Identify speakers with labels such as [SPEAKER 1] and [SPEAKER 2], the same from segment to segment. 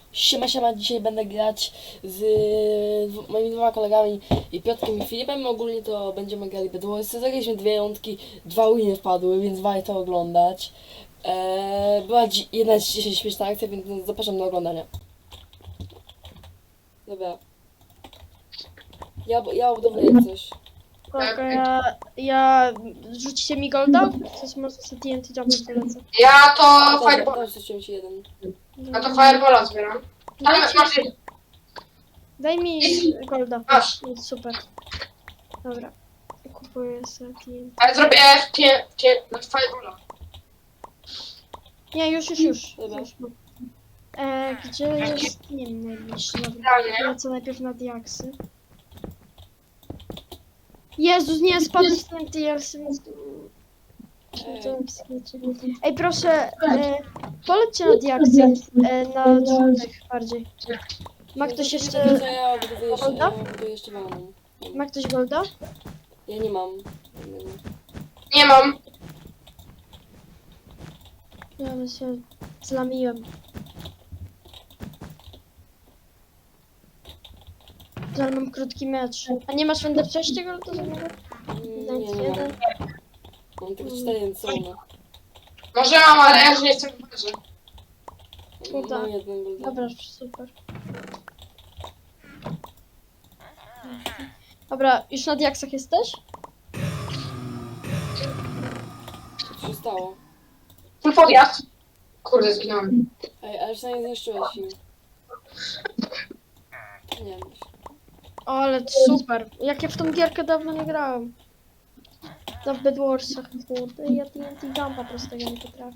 [SPEAKER 1] Siema, dzisiaj będę grać z moimi dwoma kolegami i Piotrkiem i Filipem. Ogólnie to będziemy grali Bedwarsy. Zagraliśmy 2 rundki, 2 winy wpadły, więc warto oglądać. Była jedna dzisiaj śmieszna akcja, więc zapraszam do oglądania. Dobra. Ja obudowuję coś.
[SPEAKER 2] Dobra, ja... Rzucicie mi golda? Coś może sobie TNT jump polecę.
[SPEAKER 3] Ja to Fireball.
[SPEAKER 1] Też rzuciłem ci jeden.
[SPEAKER 3] Ja to Firebola zbieram. Ale masz.
[SPEAKER 2] Daj mi golda.
[SPEAKER 3] Masz.
[SPEAKER 2] Super. Dobra. Kupuję sobie TNT.
[SPEAKER 3] Ale zrobię Firebola.
[SPEAKER 2] Nie, już.
[SPEAKER 1] Dobra.
[SPEAKER 2] Już mam. Gdzie jest... Nie wiem, najbliższy. Dobra.
[SPEAKER 3] Realnie.
[SPEAKER 2] Lecę najpierw na diaksy. Jezus, nie, spadłem z tym diaksem. Ej, proszę, polećcie na diaksy, na żółtych bardziej. Ma ktoś jeszcze...
[SPEAKER 1] To ja obudowuję
[SPEAKER 2] Golda?
[SPEAKER 1] jeszcze maną.
[SPEAKER 2] Ma ktoś golda?
[SPEAKER 1] Ja nie mam.
[SPEAKER 3] Nie mam.
[SPEAKER 2] Ja się zlamiłem. Ale mam krótki mecz. A nie masz Wender 6 golda za niego?
[SPEAKER 1] Nie mam.
[SPEAKER 2] Jeden.
[SPEAKER 1] Mam tylko 4 jęcone.
[SPEAKER 3] Może mam, ale ja już nie jestem w barze.
[SPEAKER 2] Uda.
[SPEAKER 1] Mam jeden golda.
[SPEAKER 2] Dobra, super. Dobra, już na diaksach jesteś?
[SPEAKER 1] Co się stało?
[SPEAKER 3] Full podjazd. Kurde, zginąłem.
[SPEAKER 1] Ej, ale przynajmniej zniszczyłeś im. Nie wiem.
[SPEAKER 2] O, ale super. Jak ja w tą gierkę dawno nie grałem. To w Bedwarsach, kurde. Ja TNT Jumpa prostego nie potrafię.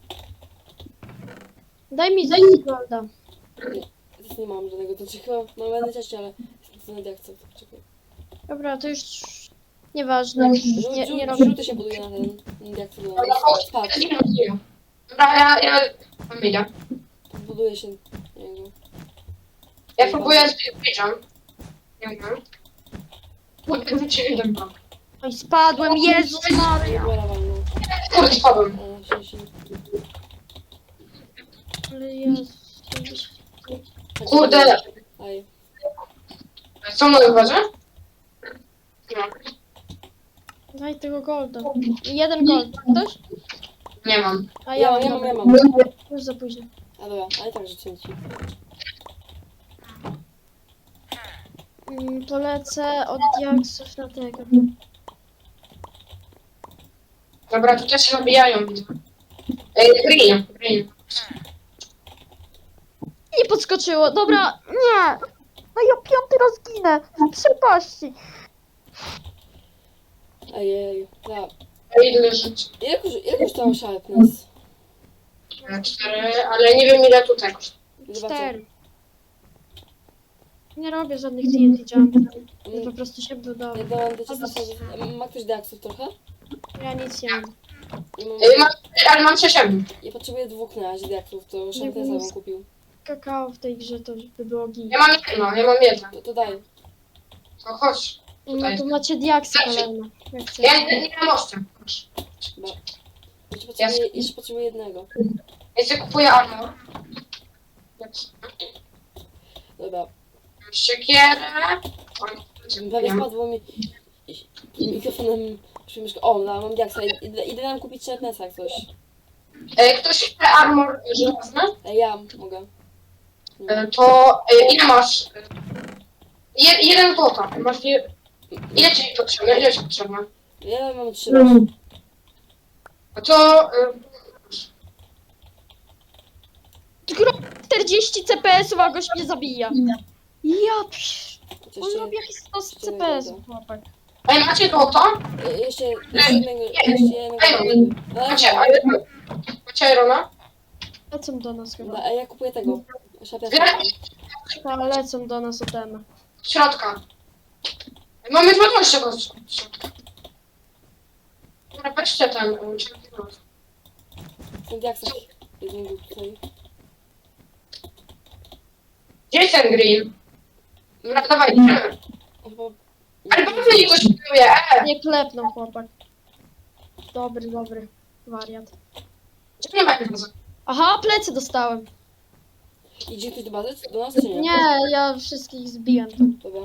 [SPEAKER 2] Daj mi golda.
[SPEAKER 1] Teraz nie mam żadnego, to czy chyba mam będę cześć, ale to nawet jak chcę, to poczekaj.
[SPEAKER 2] Dobra, to już nieważne. Nie robię.
[SPEAKER 1] Żółty się buduje na ten, jak to
[SPEAKER 3] Dobra,
[SPEAKER 1] spadł.
[SPEAKER 3] zginąłem. Dobra, ja mam idę.
[SPEAKER 1] Buduje się niego.
[SPEAKER 3] Ja próbuję zbliżam. Nie wiem. Kurde, wróciłem do mnie.
[SPEAKER 2] Oj, spadłem, Jezus Maria.
[SPEAKER 1] Dobra, walno.
[SPEAKER 3] Kurde, spadłem.
[SPEAKER 2] Ale Jezus.
[SPEAKER 3] Kurde.
[SPEAKER 1] Aj.
[SPEAKER 3] Co mną uważa? No,
[SPEAKER 2] Daj tego golda. Jeden gold. Ktoś?
[SPEAKER 3] nie mam.
[SPEAKER 2] A
[SPEAKER 1] Ja
[SPEAKER 2] ja
[SPEAKER 1] mam.
[SPEAKER 2] Już za późno.
[SPEAKER 1] A dobra, ale tak rzuciłem ci.
[SPEAKER 2] Polecę od diaksów na tego.
[SPEAKER 3] Dobra, tu też się nabijają, widzę. Green.
[SPEAKER 2] Nie podskoczyło, dobra, nie! No ja piąty raz ginę, w przepaści.
[SPEAKER 1] Ejej, ja.
[SPEAKER 3] Ile żyć?
[SPEAKER 1] Jak już tam sharpness?
[SPEAKER 3] 4, ale nie wiem ile tutaj kosztuje.
[SPEAKER 1] Zobaczę.
[SPEAKER 2] 4. Nie robię żadnych TNT jumpów. Ja po prostu się
[SPEAKER 1] Ja
[SPEAKER 2] budował.
[SPEAKER 1] dałem do ciebie. Ma ktoś deaksów trochę?
[SPEAKER 2] Ja nic nie mam.
[SPEAKER 3] Ale mam 6.
[SPEAKER 1] Ja potrzebuję 2 na razie deaksów, to sharpnessa bym kupił.
[SPEAKER 2] Kakao w tej grze to by było git.
[SPEAKER 3] Ja mam jedno.
[SPEAKER 1] To daj.
[SPEAKER 3] To chodź.
[SPEAKER 2] No to macie diaksy kolejne. Jak chcecie.
[SPEAKER 3] Ja nie mam mościa.
[SPEAKER 1] Chyba. Jeszcze potrzebuję jednego.
[SPEAKER 3] Ja sobie kupuję armor.
[SPEAKER 1] Dobra.
[SPEAKER 3] Siekierę.
[SPEAKER 1] Prawie spadło mi mikrofonem przy myszkę. O, no, mam diaksa. Idę nam kupić sharpnessa jak coś.
[SPEAKER 3] Ktoś chce armor żelazny?
[SPEAKER 1] Ja mogę.
[SPEAKER 3] To ile masz? Jeden złota. Masz ile ci potrzebne? Ile ci potrzebne?
[SPEAKER 1] Ja mam 3.
[SPEAKER 3] A to
[SPEAKER 2] 40 CPS-ów, a gość mnie zabija. Ja psz. On
[SPEAKER 1] Jeszcze,
[SPEAKER 2] robi jakieś 100 CPS-ów, chłopak.
[SPEAKER 3] Ej, macie złoto?
[SPEAKER 1] jeszcze jednego.
[SPEAKER 3] Macie Irona?
[SPEAKER 2] Lecą do nas chyba.
[SPEAKER 1] A ja kupuję tego. Sharpnessa.
[SPEAKER 2] Lecą do nas OTM.
[SPEAKER 3] Środka. Mamy 20 go z środka. Dobra, weźcie ten.
[SPEAKER 1] Są diaksa. Jeden był tutaj.
[SPEAKER 3] Gdzie jest ten green? Dobra, dawaj.
[SPEAKER 1] Chyba...
[SPEAKER 3] Ale po co nie coś buduje?
[SPEAKER 2] Nie klepną, chłopak. Dobry wariat.
[SPEAKER 3] Gdzie nie ma innego?
[SPEAKER 2] Aha, plecy dostałem.
[SPEAKER 1] Idzie ktoś do bazy? Do nas czy nie?
[SPEAKER 2] Nie, ja wszystkich zbiłem tam.
[SPEAKER 1] Dobra.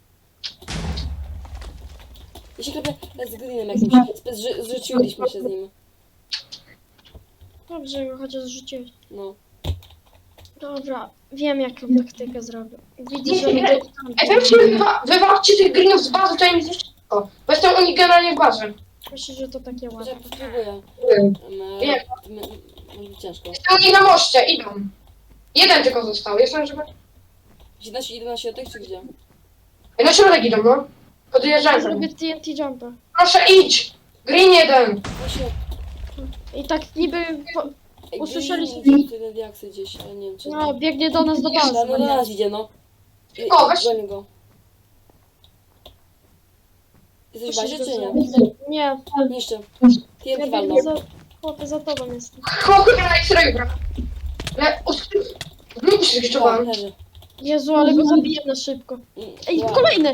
[SPEAKER 1] Ja się klepię z Greenem jakimś. Zrzuciliśmy się z nim.
[SPEAKER 2] Dobrze, go chociaż zrzuciłeś.
[SPEAKER 1] No.
[SPEAKER 2] Dobra, wiem jaką taktykę zrobię. Widzisz, że
[SPEAKER 3] Ej,
[SPEAKER 2] mnie
[SPEAKER 3] weźcie, wywalczcie tych greenów z bazy, to ja mi zniszczę. Bo jestem u nich generalnie w bazie.
[SPEAKER 2] myślę, że to takie
[SPEAKER 1] Może
[SPEAKER 2] ładne.
[SPEAKER 1] spróbuję.
[SPEAKER 3] Nie.
[SPEAKER 1] Może być ciężko.
[SPEAKER 3] Jestem u nich na moście, idą. Jeden tylko został, jestem, żeby...
[SPEAKER 1] 11 od tych czy gdzie?
[SPEAKER 3] Ej, na środek idą, no.
[SPEAKER 2] Ja
[SPEAKER 3] Podjeżdżają.
[SPEAKER 2] zrobię TNT jumpa.
[SPEAKER 3] Proszę, idź! Green jeden!
[SPEAKER 1] Właśnie.
[SPEAKER 2] I tak niby...
[SPEAKER 1] Ej,
[SPEAKER 2] Usłyszeliśmy-
[SPEAKER 1] Green idzie tutaj na diaksy gdzieś, ale nie wiem czy...
[SPEAKER 2] No, biegnie do nas do bazy.
[SPEAKER 1] No do nas idzie, no.
[SPEAKER 3] O, weź-
[SPEAKER 1] Gonię go. Jesteś w bazie czy nie?
[SPEAKER 2] Nie,
[SPEAKER 1] Niszczę.
[SPEAKER 2] ja
[SPEAKER 1] TNT walną.
[SPEAKER 2] biegnę za... Chłopie, za tobą jestem.
[SPEAKER 3] Chłopie, na X-rayu gra. Ale... Znów się
[SPEAKER 1] O,
[SPEAKER 3] zniszczowałem.
[SPEAKER 1] leży.
[SPEAKER 2] Jezu, ale go zabiję na szybko. Ej,
[SPEAKER 1] Wow.
[SPEAKER 2] kolejny!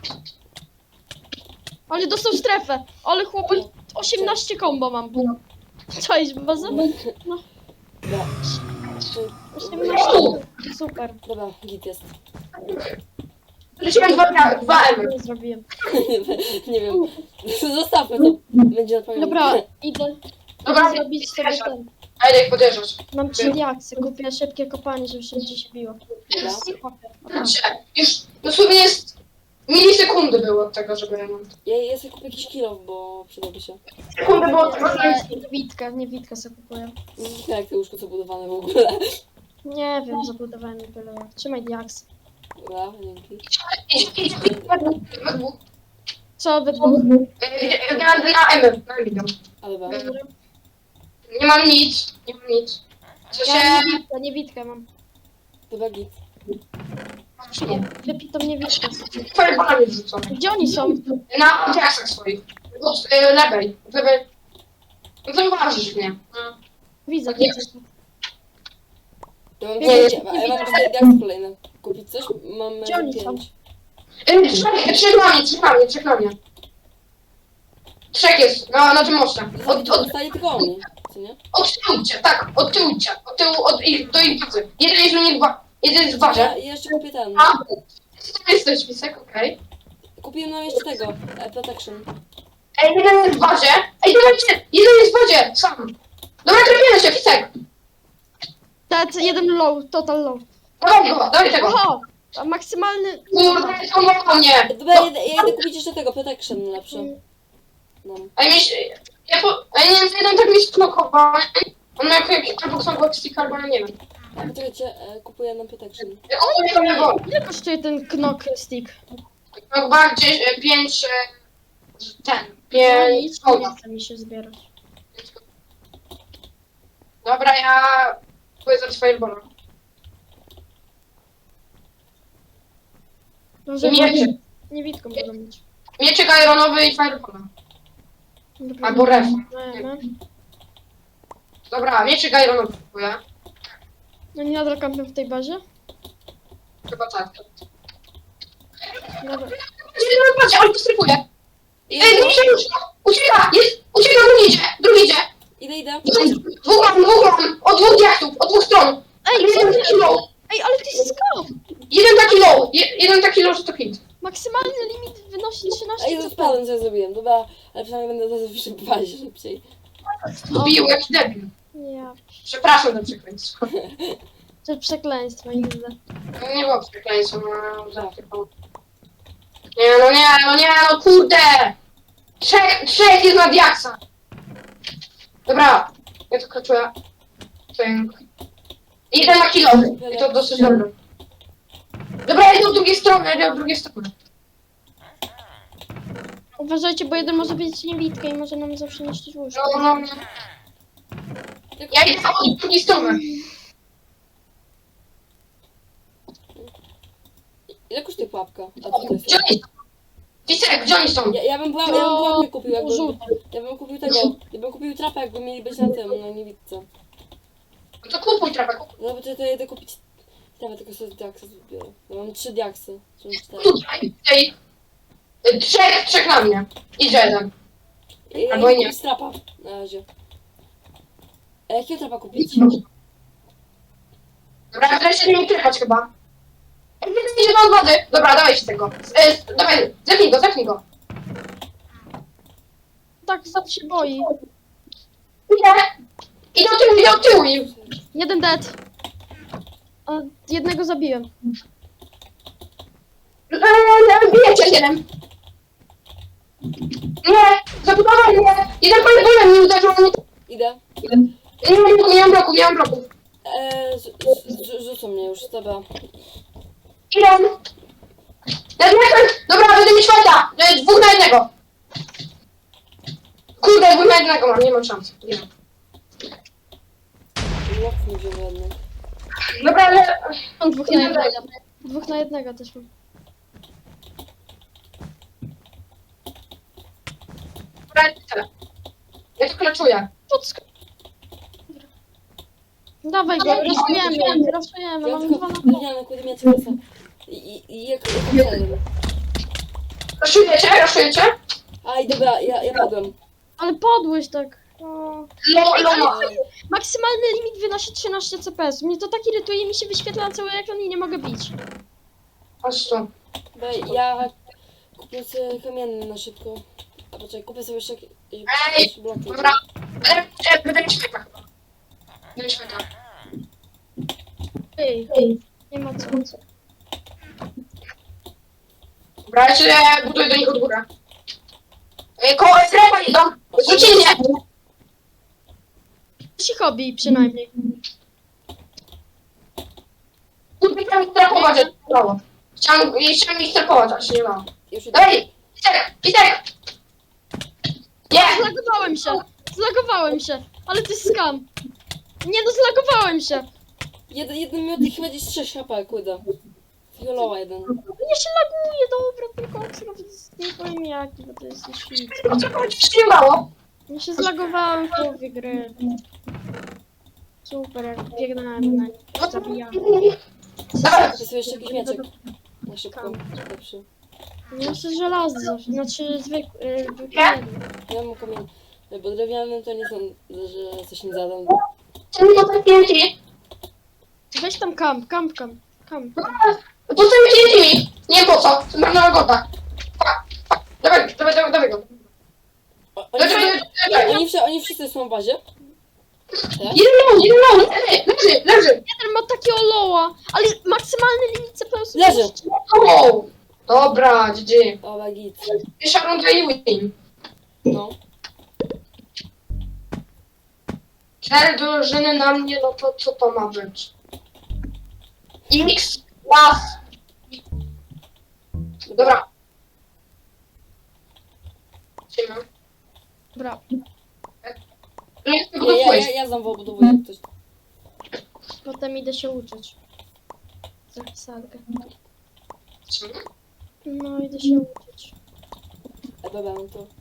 [SPEAKER 2] Ale dostał strefę. Ale chłopie, 18 combo mam. Cześć, bazę? No,
[SPEAKER 1] Dobra.
[SPEAKER 2] 18. Super.
[SPEAKER 1] Dobra, git jest.
[SPEAKER 3] Leciałem dwa M.
[SPEAKER 2] Nie zrobiłem.
[SPEAKER 1] Nie wiem. Zostawmy to. Będzie odpowiedź.
[SPEAKER 2] Dobra, idę
[SPEAKER 3] Dobra,
[SPEAKER 2] zrobić sobie ten.
[SPEAKER 3] a idę ich podjeżdżać.
[SPEAKER 2] Mam 3 diaksy, kupię szybkie kopanie, żeby się gdzieś biło.
[SPEAKER 3] Znaczy, już dosłownie jest... Milisekundy było od tego, żeby...
[SPEAKER 1] Ja sobie kupię jakiś kill bo przydałby się.
[SPEAKER 3] Sekundy było od tego, że...
[SPEAKER 2] Nie Witka sobie kupuję.
[SPEAKER 1] Jak te łóżko co budowane w ogóle.
[SPEAKER 2] Nie wiem, zabudowałem mi byle jak. Trzymaj diaks.
[SPEAKER 1] Dobra, dzięki.
[SPEAKER 3] Idź.
[SPEAKER 2] Co wy dwóch?
[SPEAKER 3] Na M. Na M.
[SPEAKER 1] Ale ba.
[SPEAKER 2] Dobra.
[SPEAKER 3] Nie mam nic. Nie mam nic. Co się...
[SPEAKER 2] Ja nie Witkę mam.
[SPEAKER 1] Dobra, git.
[SPEAKER 2] Wypij to mnie Witkę.
[SPEAKER 3] Twoje balanie wrzucone.
[SPEAKER 2] Gdzie oni są?
[SPEAKER 3] Na diaksach swoich. Od lewej. Od lewej. No to uważasz mnie.
[SPEAKER 2] Widzę,
[SPEAKER 3] Nie.
[SPEAKER 2] widzę.
[SPEAKER 1] Ja mam,
[SPEAKER 2] Nie,
[SPEAKER 1] ja mam 4 diaksy kolejne. Kupić coś? Mam
[SPEAKER 2] Gdzie oni są?
[SPEAKER 1] 5.
[SPEAKER 3] Trzech na mnie. Trzech jest, na tym moście.
[SPEAKER 1] Zostali tylko oni, co nie?
[SPEAKER 3] Od tyłu idźcie, tak, od tyłu idźcie. Od tyłu, do ich bazy. Jeden jest u nich jeden jest w bazie.
[SPEAKER 1] Ja jeszcze kupię ten.
[SPEAKER 3] A, to jesteś, Wisek, okej.
[SPEAKER 1] Kupiłem nam jeszcze tego. Protection.
[SPEAKER 3] Ej, jeden jest w bazie. Ej, dawajcie, jeden jest w bazie, sam. Dobra, trafimy się, Wisek.
[SPEAKER 2] Tacy jeden low, total low.
[SPEAKER 3] Dawaj tego.
[SPEAKER 2] Oho! A maksymalny...
[SPEAKER 3] Kurde, on mnie.
[SPEAKER 1] Dobra, ja idę kupić jeszcze tego. Protection lepsze. No.
[SPEAKER 3] Ej, nie wiem, czy jeden tak mi sklokował. On ma jakiś albo stick, albo ja nie wiem.
[SPEAKER 1] A poczekajcie, kupuję nam protection.
[SPEAKER 3] On mnie go.
[SPEAKER 2] Ile kosztuje ten knock stick?
[SPEAKER 3] No bardziej 5... Ten,
[SPEAKER 2] No
[SPEAKER 3] 5...
[SPEAKER 2] nic nie chce mi się zbierać.
[SPEAKER 3] Dobra, ja kupuję za swoje bola.
[SPEAKER 2] Może
[SPEAKER 3] Mieczyk.
[SPEAKER 2] nie Witką będą mieć.
[SPEAKER 3] Mieczyk ironowy i fireballa.
[SPEAKER 2] Dobra,
[SPEAKER 3] Albo ref.
[SPEAKER 2] no.
[SPEAKER 3] Dobra, mieczyk ironowy kupuję.
[SPEAKER 2] No nie nadal kampią w tej bazie?
[SPEAKER 3] Chyba tak.
[SPEAKER 2] Dobra.
[SPEAKER 3] Patrzcie, on postrypuje. Ej, nie przejuż! Ucieka! Ucieka, drugi idzie!
[SPEAKER 1] Idę.
[SPEAKER 3] Dwóch mam! Od dwóch diaktów, od dwóch stron!
[SPEAKER 2] Ej, co
[SPEAKER 3] Jeden
[SPEAKER 2] ty?
[SPEAKER 3] taki low!
[SPEAKER 2] Ej, ale ty skop!
[SPEAKER 3] Jeden taki low, że to hit.
[SPEAKER 2] Maksymalny limit wynosi 13
[SPEAKER 1] Ej,
[SPEAKER 2] CP.
[SPEAKER 1] spadłem, co ja zrobiłem. Dobra, ale przynajmniej będę to zawsze w bazie szybciej.
[SPEAKER 3] Bił, jaki debil.
[SPEAKER 2] Ja,
[SPEAKER 3] Przepraszam za przekleństwo.
[SPEAKER 2] to przekleństwo, nigdy.
[SPEAKER 3] Nie było przekleństwa, no za tylko. Nie, no kurde! Trzech jest na diaksa! Dobra, ja to kaczuję. Jeden na kilowy, i to dosyć dobre. Dobra, idę od drugiej strony,
[SPEAKER 2] Uważajcie, bo jeden może być niewidkę i może nam zawsze niszczyć łóżko.
[SPEAKER 3] No. Ja idę od drugiej strony.
[SPEAKER 1] Ile kosztuje pułapka? A co to jest?
[SPEAKER 3] Gdzie oni są? Wisek, gdzie oni są?
[SPEAKER 1] Ja bym pułapkę kupił, jakby...
[SPEAKER 2] Żółty.
[SPEAKER 1] Ja bym kupił tego. Ja bym kupił trapę, jakby mieli być na tym, na niewidce.
[SPEAKER 3] No to kupuj trapę,
[SPEAKER 1] No bo to jedę kupić... Trapę, tylko sobie diaksy zbiorę. Ja mam 3 diaksy. Czy 4.
[SPEAKER 3] tutaj. Trzech na mnie. Idzie jeden.
[SPEAKER 1] Ja
[SPEAKER 3] Albo
[SPEAKER 1] idę
[SPEAKER 3] nie.
[SPEAKER 1] kupić trapa na razie. A jakiego trapa kupić?
[SPEAKER 3] Dobra, teraz się nie klepać chyba. Idzie do wody. Dobra, dawaj się tego. Dawaj, zepnij go.
[SPEAKER 2] Tak, za się boi.
[SPEAKER 3] Idę do tyłu im.
[SPEAKER 2] Jeden dead. A jednego zabiłem.
[SPEAKER 3] Bijecie jeden. Nie, zabudowali mnie. Jeden pan mnie uderzył.
[SPEAKER 1] Idę.
[SPEAKER 3] Nie mam bloku.
[SPEAKER 1] Rzucą mnie już, dobra.
[SPEAKER 3] Idę. Dobra, będę mieć fajta. 2 na 1. Kurde, 2 na 1 mam, nie mam szans. Nie mam.
[SPEAKER 1] Łap nie wziął jedny.
[SPEAKER 3] Dobra, ale...
[SPEAKER 2] Mam 2 na 1. 2 na 1 też mam.
[SPEAKER 3] Dobra, tyle. Ja to kleczuję.
[SPEAKER 2] Dawaj go, raszujemy,
[SPEAKER 1] Ja
[SPEAKER 2] mam
[SPEAKER 1] tylko
[SPEAKER 2] 2 na 2.
[SPEAKER 1] powiedziałem, kurde mieć kosa. I jak jeden.
[SPEAKER 3] Raszujecie?
[SPEAKER 1] Aj, dobra, ja padłem.
[SPEAKER 2] Ale podłeś tak. O.
[SPEAKER 3] Loma.
[SPEAKER 2] Maksymalny limit wynosi 13 CPS. Mnie to tak irytuje, mi się wyświetla na cały ekran i nie mogę bić.
[SPEAKER 3] Chodź tu.
[SPEAKER 1] Dobra, ja kupię sobie kamienny na szybko. A poczekaj, kupię sobie jeszcze jakieś bloki.
[SPEAKER 3] Dobra. Będę mieć fajta chyba. Będę mieć fajta.
[SPEAKER 2] Ej, nie ma co.
[SPEAKER 3] Dobra, ja się buduję do nich od góry. Koło strefa idą. Zrzucili mnie.
[SPEAKER 2] Ci hobby przynajmniej.
[SPEAKER 3] Kurde, chciałem ich strefować, ale nie dało. Chciałem ich strefować, ale się nie dało.
[SPEAKER 1] Już idę.
[SPEAKER 3] Ej! Pisek! Nie!
[SPEAKER 2] Zlagowałem się, ale to jest skam. Nie no, zlagowałem się.
[SPEAKER 1] Jeden miód i chyba gdzieś 6 HP, kurde. Fiolowa jeden.
[SPEAKER 2] Mnie się laguje, dobra, tylko nawet nie powiem jaki, bo to jest shit.
[SPEAKER 3] O co chodzi? Się nie dało.
[SPEAKER 2] Ja się zlagowałem w połowie gry. Super, jak biegnąłem na nich, zabijałem.
[SPEAKER 3] Dawaj.
[SPEAKER 1] Kupię sobie jeszcze jakiś mieczek. Na szybko. Lepszy.
[SPEAKER 2] Ja jeszcze żelazny zawsze, znaczy zwykły.
[SPEAKER 1] Ja mam kamień. Bo drewnianym to nie sądzę, że coś mi zadam.
[SPEAKER 3] Czemu to tak pięci?
[SPEAKER 2] Weź tam kamp.
[SPEAKER 3] Postawię pięci! Nie wiem po co, to marna robota. Dawaj go.
[SPEAKER 1] Oni wszyscy są w bazie? Tak?
[SPEAKER 3] Jeden low, leży.
[SPEAKER 2] Jeden ma takie oloła, ale maksymalny limit CPS.
[SPEAKER 1] Leży.
[SPEAKER 3] O! Dobra, GG.
[SPEAKER 1] Dobra, git.
[SPEAKER 3] Pierwsza runda i win.
[SPEAKER 1] No.
[SPEAKER 3] 4 drużyny na mnie, no to co to ma być? X, las. Dobra. Siema.
[SPEAKER 2] Dobra,
[SPEAKER 3] Nie chcę go pójść.
[SPEAKER 1] Ja znowu obudowuję jak ktoś.
[SPEAKER 2] potem idę się uczyć. Za salkę. No, idę się uczyć.
[SPEAKER 1] A dobra, no to...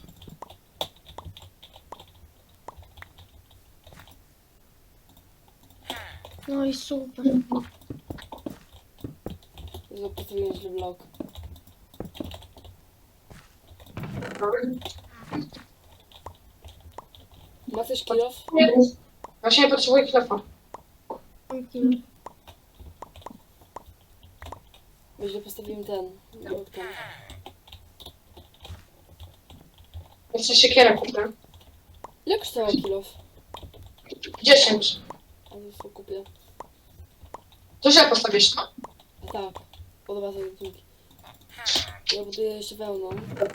[SPEAKER 2] No i super.
[SPEAKER 1] Postawiłem źle blok. Ma coś kilof?
[SPEAKER 3] Właśnie potrzebuję klefa.
[SPEAKER 2] Mam kill.
[SPEAKER 1] Bo źle postawiłem ten. Blok ten.
[SPEAKER 3] Jeszcze siekierę kupię.
[SPEAKER 1] Ile kosztował kilof?
[SPEAKER 3] 10.
[SPEAKER 1] A to kupię.
[SPEAKER 3] To źle postawisz, no?
[SPEAKER 1] A tak. Podoba sobie dzięki. Ja buduję jeszcze wełną.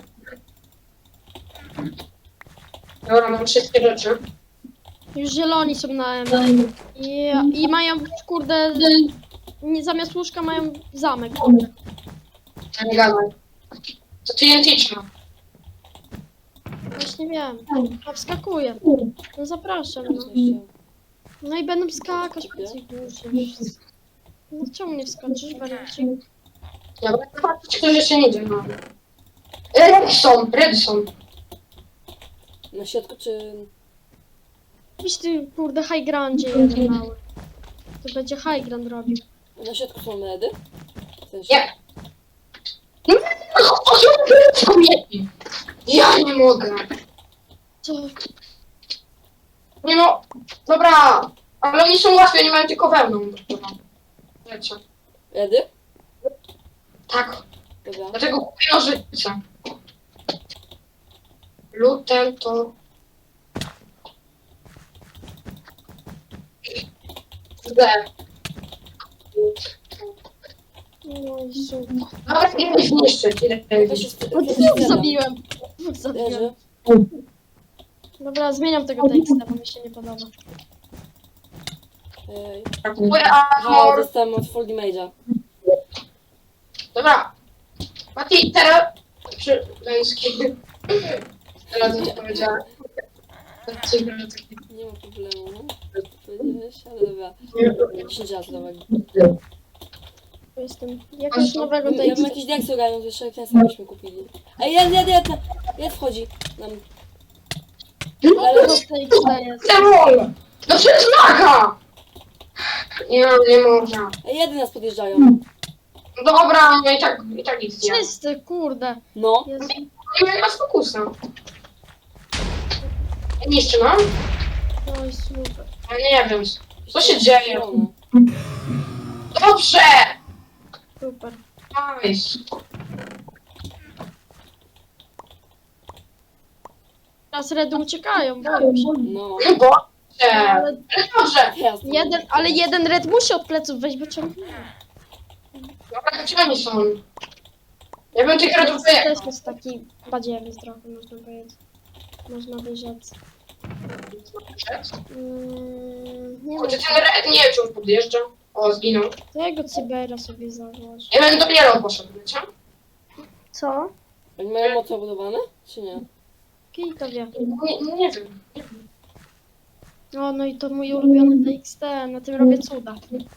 [SPEAKER 3] Dobra, mam wszystkie rzeczy.
[SPEAKER 2] Już zieloni są na M. I mają, kurde, zamiast łóżka mają zamek.
[SPEAKER 3] Nie gadaj. To TNT trzyma.
[SPEAKER 2] Właśnie wiem. A wskakuję. No zapraszam, no. No i będą skakać po tej górze. No czemu nie wskoczysz, wariacie?
[SPEAKER 3] Dobra, zobaczcie, ktoś jeszcze nie idzie, no. Redson.
[SPEAKER 1] Na środku czy...
[SPEAKER 2] Weź ty, kurde, high grandzie jeden mały. To będzie high grand robił.
[SPEAKER 1] Na środku są medy? W sensie...
[SPEAKER 3] Nie. Kobiety. Ja nie mogę.
[SPEAKER 2] Co?
[SPEAKER 3] Nie no, dobra. Ale oni są łatwi, oni mają tylko wełnę. Wiecie.
[SPEAKER 1] Redy?
[SPEAKER 3] Tak,
[SPEAKER 1] Dobra.
[SPEAKER 3] dlatego kupię nożyce. Lutel to... D.
[SPEAKER 2] No i super.
[SPEAKER 3] Dobra, nie chcę zniszczyć.
[SPEAKER 1] Weź się
[SPEAKER 2] O, dwóch zabiłem. Dwóch
[SPEAKER 1] Leży.
[SPEAKER 2] zabiłem. Dobra, zmieniam tego teksta, bo mi się nie podoba.
[SPEAKER 1] Ej.
[SPEAKER 3] Kupuję
[SPEAKER 1] Aha,
[SPEAKER 3] armor.
[SPEAKER 1] dostałem od Full Damage'a.
[SPEAKER 3] Dobra. Mati, teraz... Przy... Męski. Teraz coś powiedziałem.
[SPEAKER 1] Nie ma problemu. Powiedziałeś, ale dobra. 10 razy, dobra.
[SPEAKER 2] Jestem jakiegoś nowego
[SPEAKER 1] Ja bym
[SPEAKER 2] tekstu.
[SPEAKER 1] jakiś diaksy ogarnął, to jeszcze Knesa byśmy kupili. Ej, jed wchodzi nam.
[SPEAKER 2] Ale to teksta jest.
[SPEAKER 3] Demol! No przecież maga! Nie można.
[SPEAKER 1] Ej, jedy nas podjeżdżają.
[SPEAKER 3] Dobra, no i tak nic nie.
[SPEAKER 2] Czysty, kurde.
[SPEAKER 1] No.
[SPEAKER 2] Jezu.
[SPEAKER 3] Nie ma fokusa. Niszczy nam?
[SPEAKER 2] No i super.
[SPEAKER 3] Ja nie wiem. Co się dzieje?
[SPEAKER 1] Zielone.
[SPEAKER 3] Dobrze!
[SPEAKER 2] Super.
[SPEAKER 3] Nice.
[SPEAKER 2] Teraz redy uciekają, boją się.
[SPEAKER 1] No.
[SPEAKER 3] No bo...
[SPEAKER 2] Ale
[SPEAKER 3] Dobrze.
[SPEAKER 1] Jasne.
[SPEAKER 2] ale jeden red musi od pleców wejść, bo ciągle.
[SPEAKER 3] Dobra, gdzie oni są? Ja bym tych redów wyjechał.
[SPEAKER 2] Też jest taki badziewiec trochę, można powiedzieć. Można by rzec. Nie
[SPEAKER 3] Kurde,
[SPEAKER 2] wiem,
[SPEAKER 3] ten red nie wiem, czy on podjeżdża. O, zginął.
[SPEAKER 2] to jego cybera sobie założę.
[SPEAKER 3] Ja bym dopiero poszedł, wiecie?
[SPEAKER 2] Co?
[SPEAKER 1] Oni mają mocno budowane? Czy nie?
[SPEAKER 2] Kij to wie.
[SPEAKER 3] Nie wiem.
[SPEAKER 2] O, no i to mój ulubiony TXT, na tym robię cuda.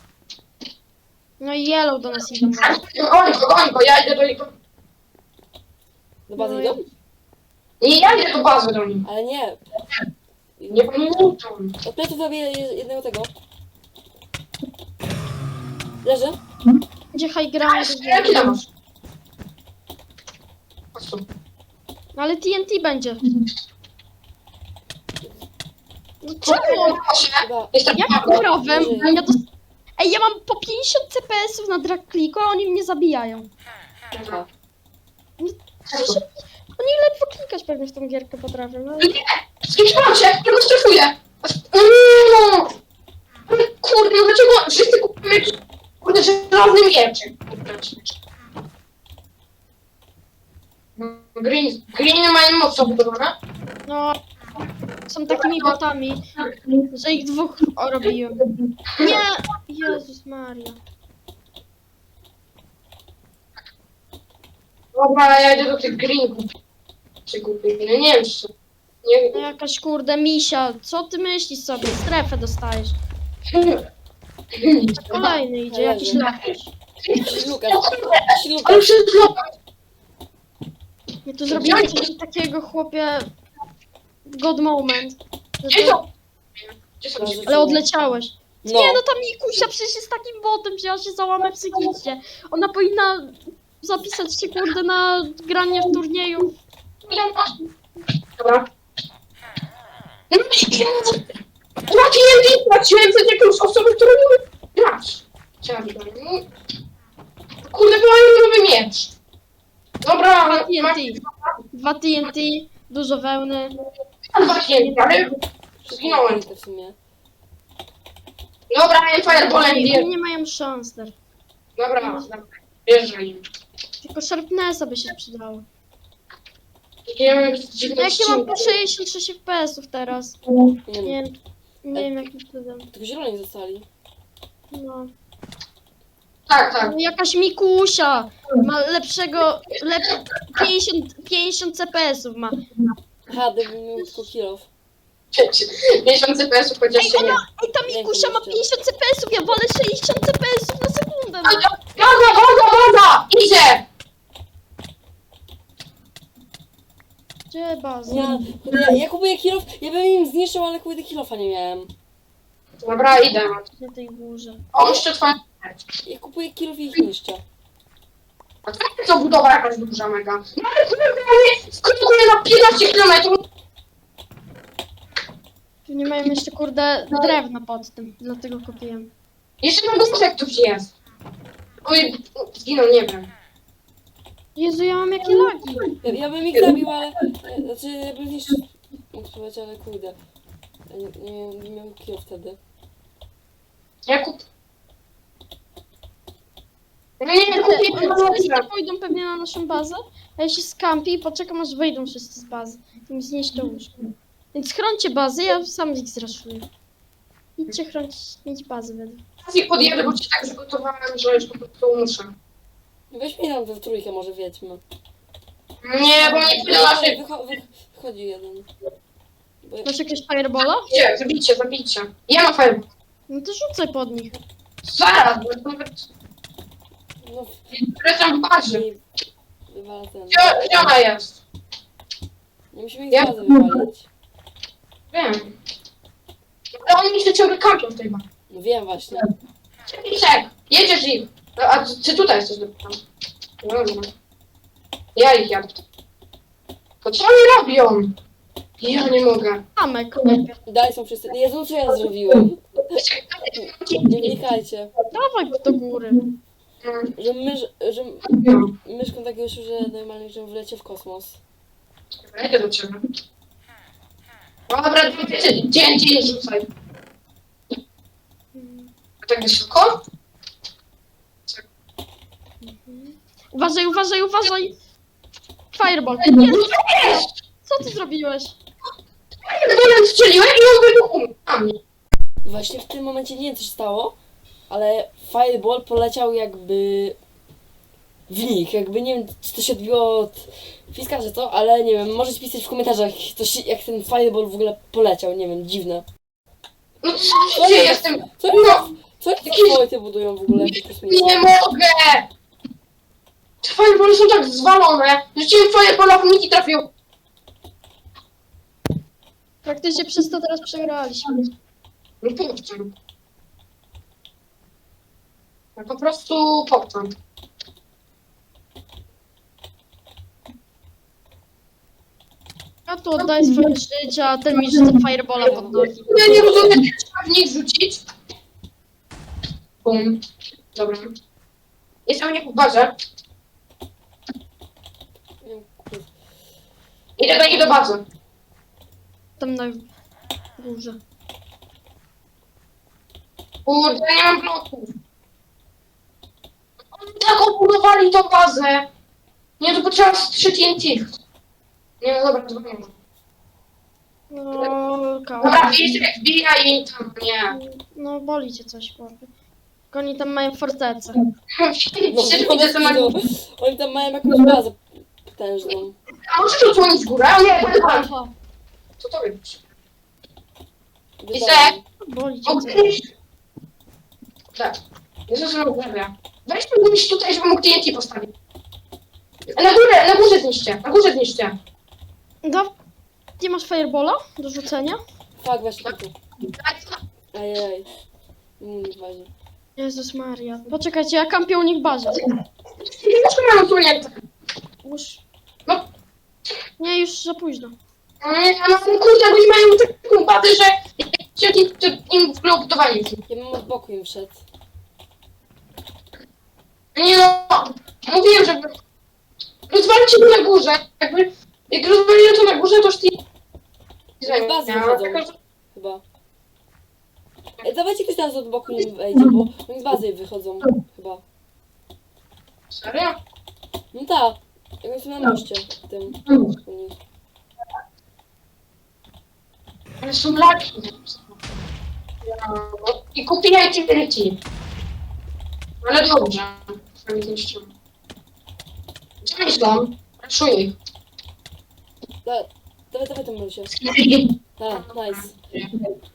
[SPEAKER 2] No i yellow do nas idą.
[SPEAKER 3] Goń go, ja idę do niego.
[SPEAKER 1] Do bazy
[SPEAKER 2] No
[SPEAKER 1] idą?
[SPEAKER 3] Nie, ja idę do bazy do nich.
[SPEAKER 1] Ale nie.
[SPEAKER 3] Nie pamiętam.
[SPEAKER 1] Od pleców zrobię jednego tego. Leży?
[SPEAKER 2] Gdzie high ground?
[SPEAKER 3] Jaki tam masz? Chodź tu.
[SPEAKER 2] Ale TNT będzie. No czemu?
[SPEAKER 3] Proszę.
[SPEAKER 1] Chyba.
[SPEAKER 3] Jestem
[SPEAKER 2] Jakim prawem?
[SPEAKER 1] Żyje.
[SPEAKER 2] Ej, ja mam po 50 CPS-ów na drag clicku, a oni mnie zabijają.
[SPEAKER 1] Aha.
[SPEAKER 2] Oni ledwo klikać pewnie w tą gierkę potrafią. No.
[SPEAKER 3] Skrzyczmacie, ja go stresuję. Kurde, no dlaczego wszyscy kupujemy jakiś... Kurde, żelazny mieczyk. Green mają mocno budowane.
[SPEAKER 2] No, są takimi botami, że ich dwóch robiłem. Nie! Jezus Maria.
[SPEAKER 3] Dobra, ja idę do tych green czy kupię. No nie wiem, czy... Nie...
[SPEAKER 2] No jakaś kurde misia, co ty myślisz sobie? Strefę dostajesz. Kolejny idzie, jakiś lakisz.
[SPEAKER 1] Lukas.
[SPEAKER 3] Ale
[SPEAKER 1] Lukas.
[SPEAKER 3] przez lokal.
[SPEAKER 2] Ja tu zrobiłem coś takiego, chłopie... God moment. Że
[SPEAKER 3] Gdzie
[SPEAKER 2] to...
[SPEAKER 3] są? Gdzie są?
[SPEAKER 2] Ale odleciałeś.
[SPEAKER 1] No.
[SPEAKER 2] Nie no, ta Mikusia przecież jest takim botem, że ja się załamę psychicznie. Ona powinna zapisać się kurde na granie w turnieju.
[SPEAKER 3] Dobra. Traciłem traciłem przed jakąś osobą, którą nie grać. Kurde, bo mają nowy miecz. Dobra, ale mam
[SPEAKER 2] TNT. 2 TNT, dużo wełny.
[SPEAKER 3] dwa TNT, ale zginąłem.
[SPEAKER 1] W sumie.
[SPEAKER 3] Dobra, miałem fireballem,
[SPEAKER 2] Oni
[SPEAKER 3] bierz.
[SPEAKER 2] nie mają szans der.
[SPEAKER 3] Dobra, bierzę im.
[SPEAKER 2] Tylko Sharpnessa by się przydało.
[SPEAKER 3] Ja mam jakieś dziwne
[SPEAKER 2] No jak ja mam
[SPEAKER 3] ściny.
[SPEAKER 2] po 66 FPS-ów teraz.
[SPEAKER 1] Nie wiem.
[SPEAKER 2] Nie wiem jakim cudem.
[SPEAKER 1] Tylko zieloni zostali.
[SPEAKER 2] No.
[SPEAKER 3] Tak.
[SPEAKER 2] No jakaś Mikusia ma lepszego, 50 CPS-ów ma.
[SPEAKER 1] Aha, gdybym miał tylko kill off.
[SPEAKER 3] 50 CPS-ów chociaż się nie.
[SPEAKER 2] Ej, ta Mikusia ma 50 CPS-ów, ja wolę 60 CPS-ów na sekundę. No.
[SPEAKER 3] Gaza! Idzie!
[SPEAKER 2] Gdzie baza?
[SPEAKER 1] Ja kupuję kill off, ja bym im zniszczył, ale kurde kill offa nie miałem.
[SPEAKER 3] Dobra, idę.
[SPEAKER 2] Na tej górze.
[SPEAKER 3] O, jeszcze twoja...
[SPEAKER 1] Ja kupuję kill off i ich niszczę.
[SPEAKER 3] A to jest to budowa jakaś duża mega. No ale kurde, skrótuję na 15 km.
[SPEAKER 2] Tu nie mają jeszcze, kurde, drewna pod tym, dlatego kupiłem.
[SPEAKER 3] Jeszcze na górze ktoś jest. Oj, zginął, nie wiem.
[SPEAKER 2] Jezu, ja mam jakie lagi.
[SPEAKER 1] Ja bym ich zabił, ale... Znaczy, ja bym ich mógł spróbować, ale kurde. Ja nie miałem kill wtedy.
[SPEAKER 3] Jakub. Nie, kupię
[SPEAKER 2] Wszyscy pójdą pewnie na naszą bazę, a ja się skampię i poczekam, aż wyjdą wszyscy z bazy. I mi zniszczą łóżko. Więc chrońcie bazę, ja sam ich zraszuję. Idźcie chronić bazę według.
[SPEAKER 3] I podjadę, bo cię tak przygotowałem, że już po prostu muszę.
[SPEAKER 1] Weź mi tam we trójkę, może wiedźmy.
[SPEAKER 3] Nie, bo nie pójdę na szybko.
[SPEAKER 1] Wychodzi jeden. Bo ja...
[SPEAKER 2] Masz jakieś firebola?
[SPEAKER 3] Gdzie? Zabijcie. Ja mam fajne.
[SPEAKER 2] No to rzucaj pod nich.
[SPEAKER 3] Zaraz, bo nawet...
[SPEAKER 1] No,
[SPEAKER 3] Wracam w bazie.
[SPEAKER 1] i wywala ten.
[SPEAKER 3] Gdzie ona jest?
[SPEAKER 1] Nie musimy ich z bazy wywalić.
[SPEAKER 3] Wiem. Ale oni się ciągle kampią w tej bazie.
[SPEAKER 1] No wiem właśnie.
[SPEAKER 3] Czek, jedziesz ich. No, a ty tutaj jesteś dopiero. No dobra. Ja ich jadę. To co oni robią? Ja nie mogę.
[SPEAKER 2] Zamek.
[SPEAKER 1] Dalej są wszyscy. Jezu, co ja zrobiłem? Nie wnikajcie.
[SPEAKER 2] Dawaj do góry.
[SPEAKER 1] Że myszką tak już, że normalnie, że wlecie w kosmos.
[SPEAKER 3] Idę do ciebie. Dobra, dzień rzucaj. A tak wysoko?
[SPEAKER 2] Uważaj, uważaj, uważaj! Fireball. Jezu, co ty zrobiłeś?
[SPEAKER 3] Ja strzeliłem i on wybuchł na mnie.
[SPEAKER 1] Właśnie w tym momencie nie wiem, co się stało, ale Fireball poleciał jakby w nich. Jakby nie wiem, czy to się odbiło od Fiska, czy co, ale nie wiem, możecie pisać w komentarzach, coś, jak ten Fireball w ogóle poleciał, nie wiem, dziwne.
[SPEAKER 3] No co się dzieje z tym?
[SPEAKER 1] Co
[SPEAKER 3] No,
[SPEAKER 1] Co jakieś wojty budują w ogóle? Jakieś kosmiczne?
[SPEAKER 3] nie mogę! Te firebally są tak zwalone. Rzuciłem fireballa w nich i trafił.
[SPEAKER 2] Praktycznie przez to teraz przegraliśmy.
[SPEAKER 3] No popcorn. No po prostu popcorn.
[SPEAKER 2] Ja tu oddaję swoje życie, a ten mi rzuca firebola pod nogi.
[SPEAKER 3] Ja nie rozumiem, jak trzeba w nich rzucić. Bum. Dobra. Jest u nich w barze.
[SPEAKER 1] Nie wiem, kurde.
[SPEAKER 3] Idę do nich do bazy.
[SPEAKER 2] Tam na górze.
[SPEAKER 3] Kurde, ja nie mam bloków. Oni tak obudowali tą bazę. Nie, to potrzeba strzec TNT. Nie, no dobra, to nie ma.
[SPEAKER 2] No,
[SPEAKER 3] Dobra, wbijaj im tam, nie.
[SPEAKER 2] No, boli cię coś, chłopie. Tylko oni tam mają fortecę.
[SPEAKER 1] No,
[SPEAKER 3] Widzę, co na górze.
[SPEAKER 1] oni tam mają jakąś bazę potężną.
[SPEAKER 3] A możesz odsłonić górę? A nie,
[SPEAKER 2] Aha,
[SPEAKER 3] co to robisz?
[SPEAKER 1] Wydałem.
[SPEAKER 3] Isek?
[SPEAKER 2] boli cię coś.
[SPEAKER 3] Mogę iść? Tak. Jezus, no dobra. Weź mógł iść tutaj, żeby mógł TNT postawić. Na górze zniszcie, na górze zniszcie.
[SPEAKER 2] Nie masz firebola do rzucenia?
[SPEAKER 1] Fuck, właśnie tu. Ajaj. Nie ważne.
[SPEAKER 2] Jezus Maria. Poczekajcie, ja kampię u nich w bazie.
[SPEAKER 3] Dlaczego mam odsłonięte?
[SPEAKER 2] Już...
[SPEAKER 3] No.
[SPEAKER 2] Nie, już za późno.
[SPEAKER 3] No kurde, oni mają taką bazę, że im w ogóle obudowali.
[SPEAKER 1] Ja bym od boku im wszedł.
[SPEAKER 3] Nie no, mówiłem, żeby... Rozwalcie to na górze, jakby... Jak rozwaliłem to na górze, to już ty...
[SPEAKER 1] Z bazy wychodzą. Chyba. Dawajcie ktoś teraz od boku nim wejdzie, bo oni z bazy wychodzą. Chyba.
[SPEAKER 3] Serio?
[SPEAKER 1] No tak. Jak są na moście. Tym. U nich.
[SPEAKER 3] Ale są laki. I kupiłem TNT. Ale dobrze. Sami zniszczyłem. Gdzie myślą? Raszuję ich.
[SPEAKER 1] Dawaj, dawaj, tam się. Tak, nice.